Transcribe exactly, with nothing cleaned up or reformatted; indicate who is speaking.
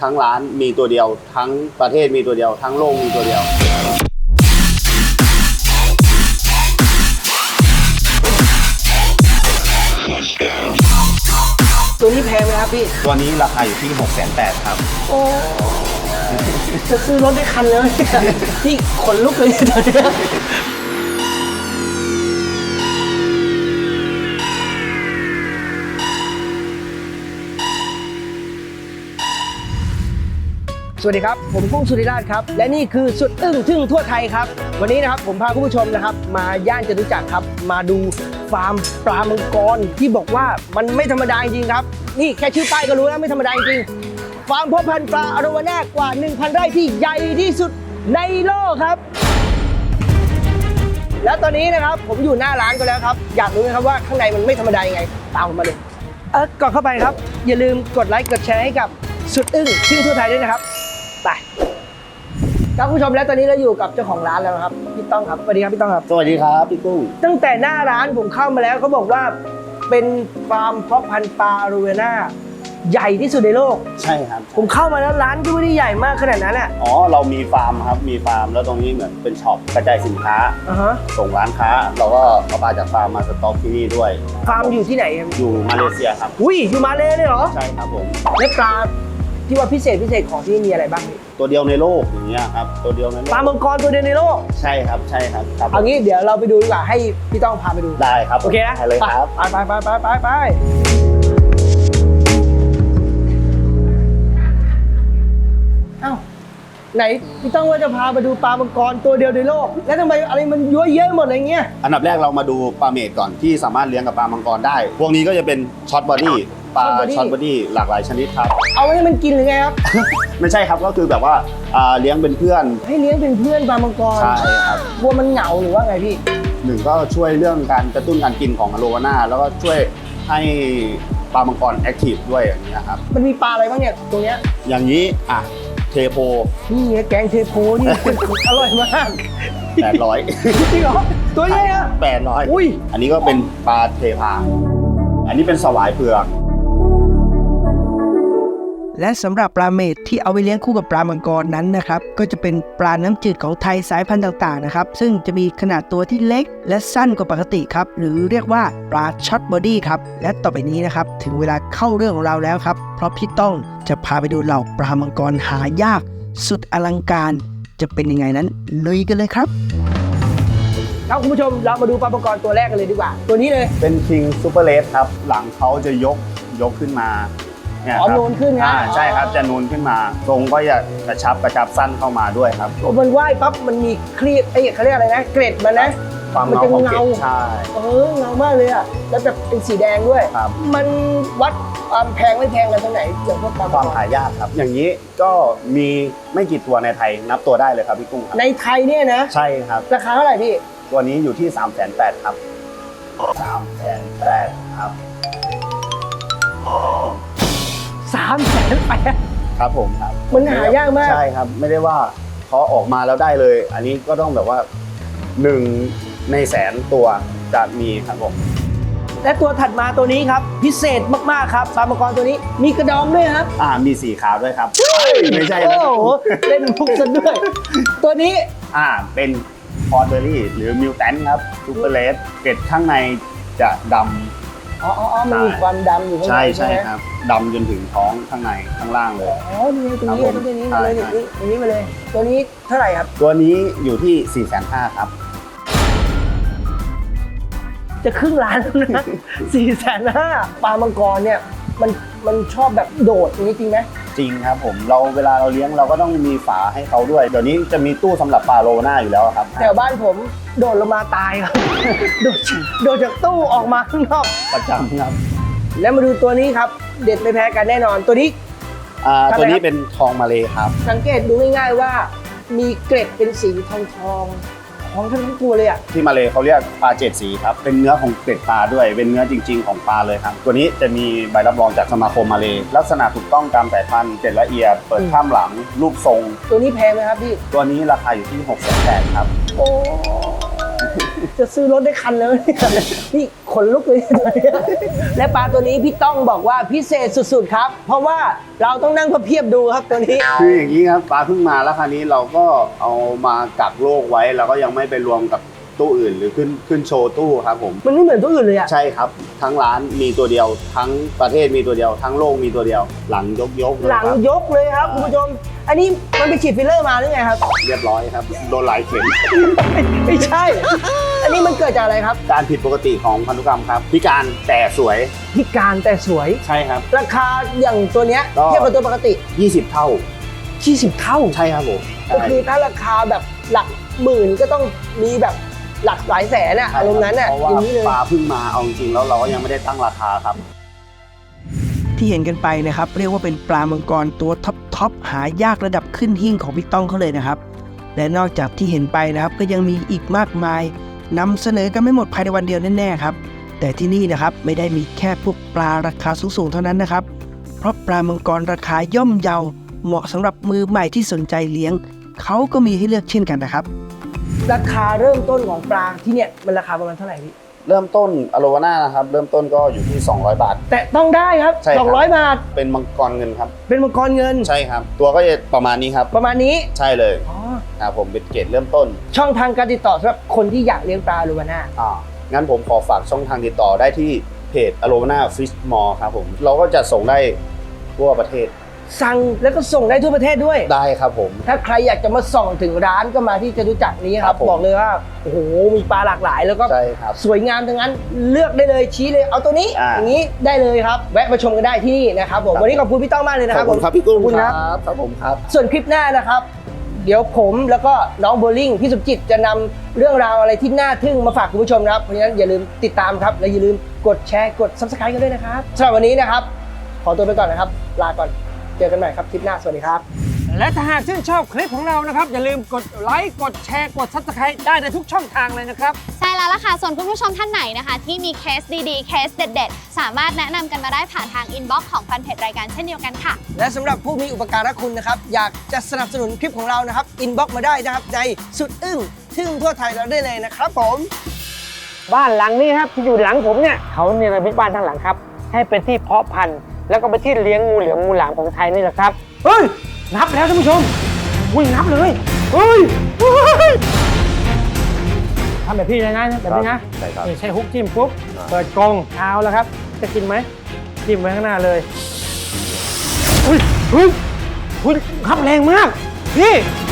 Speaker 1: ทั้งร้านมีตัวเดียวทั้งประเทศมีตัวเดียวทั้งโลกมีตัวเดียว
Speaker 2: ตัวนี้แพงไหมครับพี่
Speaker 1: ตัวนี้ราคาอยู่ที่ หกแสนแปดหมื่น ครับ
Speaker 2: โอ้จะซื้อรถได้คันเลยพี่ขนลุกเลยตอนนี้สวัสดีครับผมกุ้งสุริราชครับและนี่คือสุดอึ้งทึ่งทั่วไทยครับวันนี้นะครับผมพาคุณผู้ชมนะครับมาย่านจตุจักรครับมาดูฟาร์มปลามังกรที่บอกว่ามันไม่ธรรมดาจริงครับนี่แค่ชื่อป้ายก็รู้แล้วไม่ธรรมดาจริงฟาร์มเพาะพันธุ์ปลาอโรวาน่ากว่า หนึ่งพัน ไร่ที่ใหญ่ที่สุดในโลกครับแล้วตอนนี้นะครับผมอยู่หน้าร้านก็แล้วครับอยากรู้ไหมครับว่าข้างในมันไม่ธรรมดายังไงตามผมมาเลยเออก่อนเข้าไปครับอย่าลืมกดไลค์กดแชร์ให้กับสุดอึ้งทึ่งทั่วไทยด้วยนะครับไปครับผู้ชมแล้วตอนนี้เราอยู่กับเจ้าของร้านแล้วครับพี่ต้องครับสวัสดีครับพี่ต้องครับ
Speaker 1: สวัสดีครับพี่กุ้ง
Speaker 2: ตั้งแต่หน้าร้านผมเข้ามาแล้วเขาบอกว่าเป็นฟาร์มเพาะพันธุ์ปลาอโรวาน่าใหญ่ที่สุดในโลก
Speaker 1: ใช่ครับ
Speaker 2: ผมเข้ามาแล้วร้านก็ไม่ได้ใหญ่มากขนาดนั้นแหละ
Speaker 1: อ๋อเรามีฟาร์มครับมีฟาร์มแล้วตรงนี้เหมือนเป็นช็อปกระจายสินค้า
Speaker 2: uh-huh.
Speaker 1: ส่งร้านค้าเราก็เอาปลาจากฟาร์มมาสต็อกที่นี่ด้วย
Speaker 2: ฟาร์มอยู่ที่ไหนครับ
Speaker 1: อยู่มาเลเซียครับ
Speaker 2: อุ้ยอยู่มาเลเลยเหรอ
Speaker 1: ใช่ครับผม
Speaker 2: และปลาที่ว่าพิเศษพิเศษของที่นี่มีอะไรบ้าง
Speaker 1: ตัวเดียวในโลกอย่างเงี้ยครับตัวเดียวในโลก
Speaker 2: ปลามังกรตัวเดียวในโลก
Speaker 1: ใช่ครับใช่ครับ
Speaker 2: เอางี้เดี๋ยวเราไปดูดีกว่าให้พี่ต้องพาไปดู
Speaker 1: ได้ครับ
Speaker 2: โอเคนะ
Speaker 1: ไปเลยครับ
Speaker 2: ไปไปไปไปไปเอ้าไหนพี่ต้องว่าจะพาไปดูปลามังกรตัวเดียวในโลกแล้วทำไมอะไรมันเยอะเยอะหมดอะไรเงี้ย
Speaker 1: อันดับแรกเรามาดูปลาเมดก่อนที่สามารถเลี้ยงกับปลามังกรได้พวกนี้ก็จะเป็นช็อตบอดี้ปลาช็อตบอดี้หลากหลายชนิดครับ
Speaker 2: เอาให้มันกินหรือไงครับ
Speaker 1: ไม่ใช่ครับก็คือแบบว่าเลี้ยงเป็นเพื่อน
Speaker 2: ให้เลี้ยงเป็นเพื่อนปลามังกร
Speaker 1: ใช่ครับ
Speaker 2: กลัวมันเหงาหรือว่าไงพี่
Speaker 1: หนึ่งก็ช่วยเรื่องการกระตุ้นการกินของอโรวาน่าแล้วก็ช่วยให้ปลามังกรแอคทีฟด้วยอย่างนี้ครับ
Speaker 2: มันมีปลาอะไรบ้างเนี่ยตรงเนี้ย
Speaker 1: อย่างนี้อ่ะเทโพ
Speaker 2: นี่แกงเทโพนี่ อร่อยมาก
Speaker 1: แปดร้อย
Speaker 2: จริงเหรอตัวนี้อ่ะ
Speaker 1: แปดร้อย
Speaker 2: อุ้ย
Speaker 1: อันนี้ก็เป็นปลาเทพาอันนี้เป็นสวายเผือก
Speaker 2: และสำหรับปลาเมดที่เอาไปเลี้ยงคู่กับปลามังกรนั้นนะครับก็จะเป็นปลาน้ำจืดของไทยสายพันธุ์ต่างๆนะครับซึ่งจะมีขนาดตัวที่เล็กและสั้นกว่าปกติครับหรือเรียกว่าปลาช็อตบอดี้ครับและต่อไปนี้นะครับถึงเวลาเข้าเรื่องของเราแล้วครับเพราะพี่ต้องจะพาไปดูเหล่าปลามังกรหายากสุดอลังการจะเป็นยังไงนั้นลุยกันเลยครับครับคุณผู้ชมเรามาดูปลามังกรตัวแรกกันเลยดีกว่าตัวนี้เลย
Speaker 1: เป็นคิงซูเปอร์เลสครับหลังเขาจะยกยกขึ้นมา
Speaker 2: เนี่ยอ๋อนูนขึ้นนะ
Speaker 1: ใช่ครับจะนูนขึ้นมาทรงก็จะกระชับกระชับสั้นเข้ามาด้วยครับ
Speaker 2: มันว่ายปั๊บมันมีครีบไอ้เขาเรียกอะไรนะเกร็ดมันนะ
Speaker 1: ความเงาของเกล็ดใช่
Speaker 2: เออเงามากเลยอ่ะแล้วแบบเป็นสีแดงด้วยมันวัดความแพงไม่แพงกันตรงไหนเกี่ยวกับ
Speaker 1: ความหายากครับอย่างนี้ก็มีไม่กี่ตัวในไทยนับตัวได้เลยครับพี่กุ้ง
Speaker 2: ในไทยเนี่ยนะ
Speaker 1: ใช่ครับ
Speaker 2: ราคาเท่าไหร่พี่
Speaker 1: ตัวนี้อยู่ที่ สามแสนแปดหมื่น ครับ สามแสนแปดหมื่น ครับ
Speaker 2: สามแสนแปด
Speaker 1: ครับผมครับ
Speaker 2: มันหายากมาก
Speaker 1: ใช่ครับไม่ได้ว่าเขาออกมาแล้วได้เลยอันนี้ก็ต้องแบบว่าหนึ่งในแสนตัวจะมีครับผม
Speaker 2: และตัวถัดมาตัวนี้ครับพิเศษมากๆครับปลามังกรตัวนี้มีกระดองด้วยครับ
Speaker 1: อ่ามีสีขาวด้วยครับไม่ใช่
Speaker 2: โอ้โหเล่นมุกซะด้วยตัวนี้
Speaker 1: อ่าเป็นพอร์เบอรี่หรือมิวแทนครับซูเปอร์เลสเกล็ดข้างในจะดำ
Speaker 2: อ๋ออ๋อมันมีความดำอยู่ข้างใน
Speaker 1: ใช่ใช่ครับดำจนถึงท้องข้างในข้างล่างเลย
Speaker 2: อ๋อนี่ตัวนี้ตัวนี้มาเลยตัวนี้มาเลยตัวนี้เท่าไหร่ครับ
Speaker 1: ตัวนี้อยู่ที่ สี่แสนห้าหมื่น ครับ
Speaker 2: จะครึ่งล้านแล้วนะ สี่แสนห้าปลามังกรเนี่ยมันมันชอบแบบโดดอย่างนี้จริงไหม
Speaker 1: จริงครับผมเราเวลาเราเลี้ยงเราก็ต้องมีฝาให้เขาด้วยเดี๋ยวนี้จะมีตู้สำหรับปลาโรวาน่าอยู่แล้วครับ
Speaker 2: แถวบ้านผมโดดลงมาตายครับโดดโดดจากตู้ออกมาข้างนอก
Speaker 1: ประจำครับ
Speaker 2: แล้วมาดูตัวนี้ครับเด็ดไม่แพ้กันแน่นอนตัวนี้
Speaker 1: อ่าตัวนี้เป็นทองมาเลครับ
Speaker 2: สังเกตดูง่ายๆว่ามีเกล็ดเป็นสีทองทองของทั้งตัวเลยอ่ะ
Speaker 1: ที่มาเลเขาเรียกปลาเจ็ดสีครับเป็นเนื้อของเกล็ดปลาด้วยเป็นเนื้อจริงๆของปลาเลยครับตัวนี้จะมีใบรับรองจากสมาคมมาเลลักษณะถูกต้องตามสายพันธุ์เกล็ดละเอียดเปิดข้ามหลังรูปทรง
Speaker 2: ตัวนี้แพงไหมครับพี่
Speaker 1: ตัวนี้ราคาอยู่ที่ หกแสนแปดหมื่น ครับ
Speaker 2: โอ้จะซื้อรถได้คันแล้วเนี่ยนี่ขนลุกเลยตอนนี้และปลาตัวนี้พี่ต้องบอกว่าพิเศษสุดๆครับ เพราะว่าเราต้องนั่งพับเพียบดูครับตัวนี้
Speaker 1: คืออย่างนี้ครับปลาเพิ่งมาแล้วคราวนี้เราก็เอามากักโรคไว้แล้วก็ยังไม่ไปรวมกับตู้อื่นหรือขึ้นขึ้นโชว์ตู้ครับผม
Speaker 2: มันไม่เหมือนตัวอื่นเลยอะ
Speaker 1: ใช่ครับทั้งร้านมีตัวเดียว ทั้งประเทศมีตัวเดียว ทั้งโลกมีตัวเดียว หลังยกยกเลย
Speaker 2: หลัง
Speaker 1: ครับ
Speaker 2: ยกเลยครับคุณผู้ชมอันนี้มันไปฉีดฟิลเลอร์มาหรือไงครับ
Speaker 1: เรียบร้อยครับโดนหลายเข็ม
Speaker 2: ไม่ใช่ อันนี้มันเกิดจากอะไรครับ
Speaker 1: การผิดปกติของพันธุกรรมครับพิการแต่สวย
Speaker 2: พิการแต่สวย
Speaker 1: ใช่ครับ
Speaker 2: ราคาอย่างตัวเนี้ย
Speaker 1: ก็
Speaker 2: เทียบกับตัวปกติ
Speaker 1: ยี่สิบเท่า
Speaker 2: ยี่สิบเท่า
Speaker 1: ใช่ครับผม
Speaker 2: ก็คือถ้าราคาแบบหลักหมื่นก็ต้องมีแบบหลักหลายแสนอะ
Speaker 1: ใช่
Speaker 2: อารมณ์นั้นอะ
Speaker 1: เพราะว่า
Speaker 2: อย่างนี้เลย
Speaker 1: ปลาเพิ่งมาเอาจริงๆแล้วเราก็ยังไม่ได้ตั้งราคาครับ
Speaker 2: ที่เห็นกันไปนะครับเรียกว่าเป็นปลามังกรตัวท็อปท็อปหายากระดับขึ้นหิ้งของพี่ต้องเขาเลยนะครับและนอกจากที่เห็นไปนะครับก็ยังมีอีกมากมายนำเสนอกันไม่หมดภายในวันเดียวแน่ๆครับแต่ที่นี่นะครับไม่ได้มีแค่พวกปลาราคาสูงๆเท่านั้นนะครับเพราะปลามังกรราคาย่อมเยาเหมาะสำหรับมือใหม่ที่สนใจเลี้ยงเขาก็มีให้เลือกเช่นกันนะครับราคาเริ่มต้นของปลาที่เนี่ยมันราคาประมาณเท่าไหร่พี่
Speaker 1: เริ่มต้นอโลวาน่านะครับเริ่มต้นก็อยู่ที่สองร้อยบาท
Speaker 2: แต่ต้องได้ครับ
Speaker 1: ใช่ครับ
Speaker 2: สองร้อยบาท
Speaker 1: เป็นมังกรเงินครับ
Speaker 2: เป็นมังกรเงิน
Speaker 1: ใช่ครับ ตัวก็จะประมาณนี้ครับ
Speaker 2: ประมาณนี้
Speaker 1: ใช่เลย
Speaker 2: อ๋อ
Speaker 1: ครับผมเป็นเกรดเริ่มต้น
Speaker 2: ช่องทางการติดต่อสำหรับคนที่อยากเลี้ยงปลาลูวาน่า
Speaker 1: อ่างั้นผมขอฝากช่องทางติดต่อได้ที่เพจอโลวาน่าฟิชมอลครับผมเราก็จะส่งได้ทั่วประเทศ
Speaker 2: สั่งแล้วก็ส่งได้ทั่วประเทศด้วย
Speaker 1: ได้ครับผม
Speaker 2: ถ้าใครอยากจะมาส่องถึงร้านก็มาที่จตุจักรนี้ค
Speaker 1: ครั
Speaker 2: รับบ
Speaker 1: ผม
Speaker 2: บอกเลยว่าโอ้โหมีปลาหลากหลายแล้วก็
Speaker 1: ใช่ครับ
Speaker 2: สวยงามทั้งนั้นเลือกได้เลยชี้เลยเอาตัวนี้
Speaker 1: อ่า
Speaker 2: อย่างนี้ได้เลยครับแวะมาชมกันได้ที่นี่นะครับผม
Speaker 1: ครับ
Speaker 2: วันนี้ขอบคุณพี่ต้องมากเลยนะ
Speaker 1: ข
Speaker 2: ค
Speaker 1: อ
Speaker 2: รั
Speaker 1: บบ คุณ
Speaker 2: ผม
Speaker 1: ครับพี่กุ้ง
Speaker 2: ขอบคุณครับ
Speaker 1: ครับผมครับ
Speaker 2: ส่วนคลิปหน้านะครับ เดี๋ยวผมแล้วก็น้องโบลิ่งพี่สมจิตจะนำเรื่องราวอะไรที่น่าทึ่งมาฝากคุณผู้ชมนะครับเพราะฉะนั้นอย่าลืมติดตามครับและอย่าลืมกดแชร์กด ซับสไครบ์ กันด้วยนะครับสำหรับวันนี้นะครับขอตัวไปก่อนนะครับลาก่อนเจอกันใหม่ครับคลิปหน้าสวัสดีครับ
Speaker 3: และถ้าหากชื่นชอบคลิปของเรานะครับ อย่าลืมกดไลค์กดแชร์กด ซับสไครบ์ ได้ในทุกช่องทางเลยนะครับ
Speaker 4: ใช่แล้วล่ะค่ะ ส่วนคุณผู้ชมท่านไหนนะคะ ที่มีเคสดีๆ เคสเด็ดๆ สามารถแนะนำกันมาได้ผ่านทางอินบ็อกซ์ของแฟนเพจรายการเช่นเดียวกันค่ะ
Speaker 2: และสำหรับผู้มีอุปการะคุณนะครับอยากจะสนับสนุนคลิปของเรานะครับอินบ็อกซ์มาได้นะครับในสุดอึ้งทึ่งทั่วไทยเราได้เลยนะครับผม
Speaker 3: บ้านหลังนี้ครับที่อยู่หลังผมเนี่ยเขาเนรมิตบ้านทั้งหลังครับ ให้เป็นที่เพาะพันธุ์แล้วก็เป็นที่เลี้ยงงูเหลือมงูหลามของไทยนี่แหละครับเฮ้ยนับแล้วท่านผู้ชมอุ้ยนับเลยเฮ้ยเฮ้ยทำแบบพี่เลยนะแบบนี้นะ
Speaker 1: ใช่ครับ
Speaker 3: นี่ใช้ฮุกจิ้มปุ๊บเปิดกรงเอาแล้วครับ จะกินไหมจิ้มไว้ข้างหน้าเลยอุ้ยเฮ้ยเฮ้ยครับแรงมากพี่